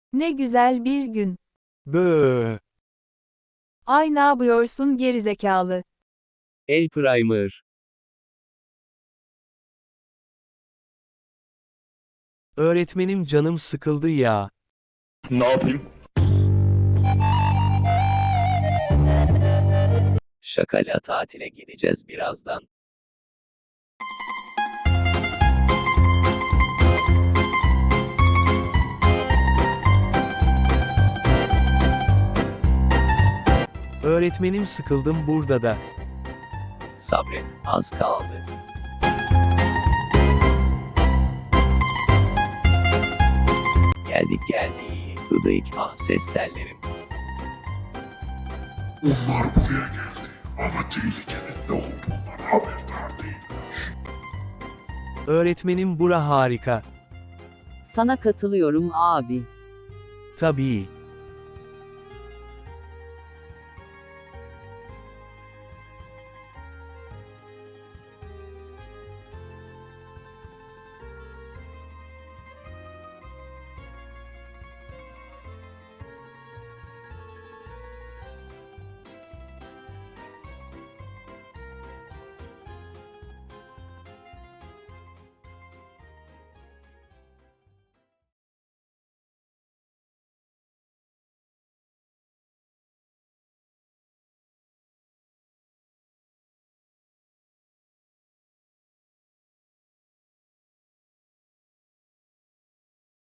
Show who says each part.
Speaker 1: Ne güzel bir gün.
Speaker 2: Bööö.
Speaker 1: Ay ne yapıyorsun gerizekalı?
Speaker 2: El primer. Öğretmenim canım sıkıldı ya.
Speaker 3: Ne yapayım?
Speaker 2: Şakala tatile gideceğiz birazdan. Öğretmenim sıkıldım burada da. Sabret, az kaldı. Geldik. Hıdık ses tellerim.
Speaker 4: Onlar buraya geldi ama tehlikenin ne olduğundan haberdar değil.
Speaker 2: Öğretmenim bura harika.
Speaker 5: Sana katılıyorum abi.
Speaker 2: Tabii.